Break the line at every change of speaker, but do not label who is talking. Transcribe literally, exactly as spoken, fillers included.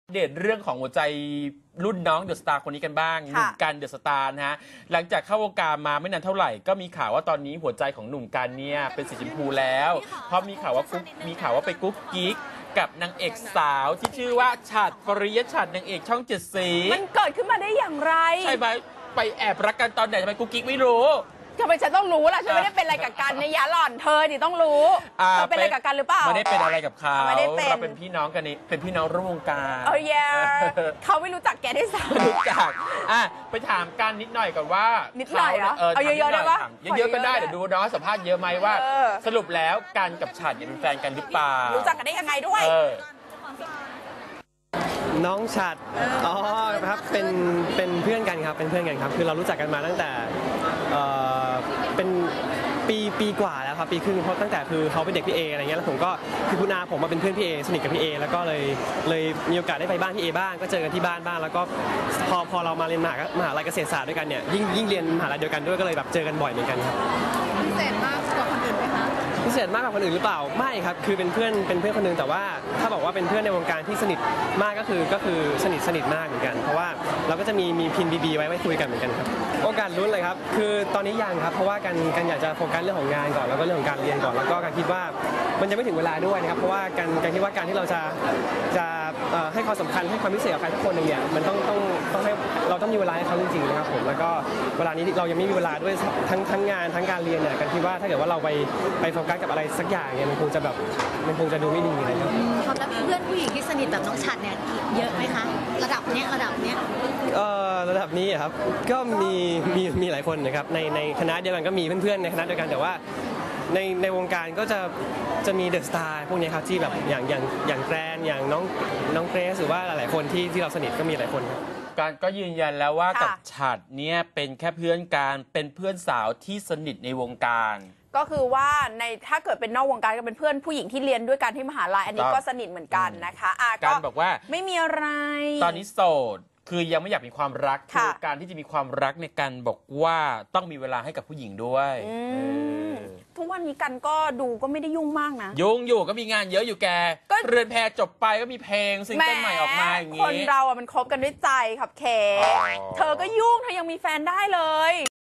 เดตเรื่องของหัวใจรุ่นน้องเดอะสตาร์คนนี้กันบ้างหนุ่มกันเดอะสตาร์นะฮะหลังจากเข้าวงการมาไม่นานเท่าไหร่ก็มีข่าวว่าตอนนี้หัวใจของหนุ่มกันเนี่ยเป็นสีชมพูแล้วเพราะมีข่าวว่ากุ๊กมีข่าวว่าไปกุ๊กกิ๊กกับนางเอกสาวที่ชื่อว่าฉัตรปริยฉัตรนางเอกช่องเจ็ดสี
มันเกิดขึ้นมาได้อย่างไร
ใช่ไหมไปแอบรักกันตอนไหนทำไมกุ๊กกิ๊กไม่รู้
ทำไมฉันต้องรู้ล่ะฉันไม่ได้เป็นอะไรกับกันในยาหล่อนเธอนี่ต้องรู้เธอเป็นอะไรกับกันหรือเปล่า
ไม่ได้เป็นอะไรกับเขา
ไม่ได้เป็น
เราเป็นพี่น้องกันนี่เป็นพี่น้องร่วมวงการ
เออเยเขาไม่รู้จักแกได้สัก
รู้จักอ่ะไปถามกันนิดหน่อยก่อนว่า
นิดหน่อยเหรอ
เอา
เยอะๆได้ปะ
เยอะๆก็ได้เดี๋ยวดูน้องสัมภาษณ์เยอะไหมว่าสรุปแล้วกันกับฉัตรเป็นแฟนกันหรือเปล่า
รู้จักกันได้ยังไงด้วย
น้องฉัตรอ๋อครับเป็นเป็นเพื่อนกันครับเป็นเพื่อนกันครับคือเรารู้จักกันมาตั้งแต่เอ่อเป็นปีปีกว่าแล้วครับปีครึ่งเพราะตั้งแต่คือเขาเป็นเด็กพี่เออะไรเงี้ยแล้วผมก็คือคุณอาผมมาเป็นเพื่อนพี่เอสนิทกับพี่เอแล้วก็เลยเลยมีโอกาสได้ไปบ้านพี่เอบ้างก็เจอกันที่บ้านบ้างแล้วก็พอพอเรามาเรียนมหามหาลัยเกษตรศาสตร์ด้วยกันเนี่ยยิ่งยิ่งเรียนมหาลัยเดียวกันด้วยก็เลยแบบเจอกันบ่อยเหมือนกันครับ
พิเศษมากกว่าคนอื่นไหมคะ
พิเศษมากกว่าคนอื่นหรือเปล่าไม่ครับคือเป็นเพื่อนเป็นเพื่อนคนนึงแต่ว่าถ้าบอกว่าเป็นเพื่อนในวงการที่สนิทมากก็คือก็คือสนิทสนิทมากเหมือนกันเพราะว่าเราก็จะมีมีพินบีบีไว้ไว้คุยกันเหมือนกันครับโอกาสลุ้นเลยครับคือตอนนี้ยังครับเพราะว่ากันกันอยากจะโฟกัสเรื่องของงานก่อนแล้วก็เรื่องของการเรียนก่อนแล้วก็การคิดว่ามันยังไม่ถึงเวลาด้วยนะครับเพราะว่าการการคิดว่าการที่เราจะจะให้ความสำคัญให้ความพิเศษกับใครทุกคนหนึ่งเนี่ยมันต้องต้องต้องให้เราต้องมีเวลาให้เขาจริงๆนะครับผมแล้วก็เวลานี้เรายังไม่มีเวลาด้วยทั้งทั้งงานทั้งการเรียนเนี่ยกันคิดว่าถ้าเกิดว่าเราไปไปโฟกัสกับอะไรสักอย่างเนี่ยมันคงจะแบบมันคงจะดูไม่ดีเลยครับ
ครับแล้วเพื่อนผู้หญิงที่สนิทแบบน้องฉัตรเนี่ยเยอะไหมคะระดับเนี้ยระดับเนี้ย
เอ่อระดับนี้ครับก็มีมีมีหลายคนนะครับในในคณะเดียวกันก็มีเพื่อนๆในคณะเดียวกันแต่ว่าในในวงการก็จะจะมีเดอะสตาร์พวกนี้ครับที่แบบอย่างอย่างอย่างแกรนอย่างน้องน้องเกรซหรือว่าหลายๆคนที่ที่เราสนิทก็มีหลายคนครับ
การก็ยืนยันแล้วว่ากับฉัตรเนี่ยเป็นแค่เพื่อนกันเป็นเพื่อนสาวที่สนิทในวงการ
ก็คือว่าในถ้าเกิดเป็นนอกวงการก็เป็นเพื่อนผู้หญิงที่เรียนด้วยกันที่มหาลัยอันนี้ก็สนิทเหมือนกันนะคะอ่ะ
การบอกว่า
ไม่มีอะไร
ตอนนี้โสดคือยังไม่อยากมีความรักคือการที่จะมีความรักในการบอกว่าต้องมีเวลาให้กับผู้หญิงด้วย
ทุกวันนี้กันก็ดูก็ไม่ได้ยุ่งมากนะ
ยุ่งอยู่ก็มีงานเยอะอยู่แกเรือนแพจบไปก็มีเพลงซิงเกิลใหม่ออกมาอย่างนี้
คนเราอ่ะมันคบกันด้วยใจครับเคเธอก็ยุ่งเธอยังมีแฟนได้เลย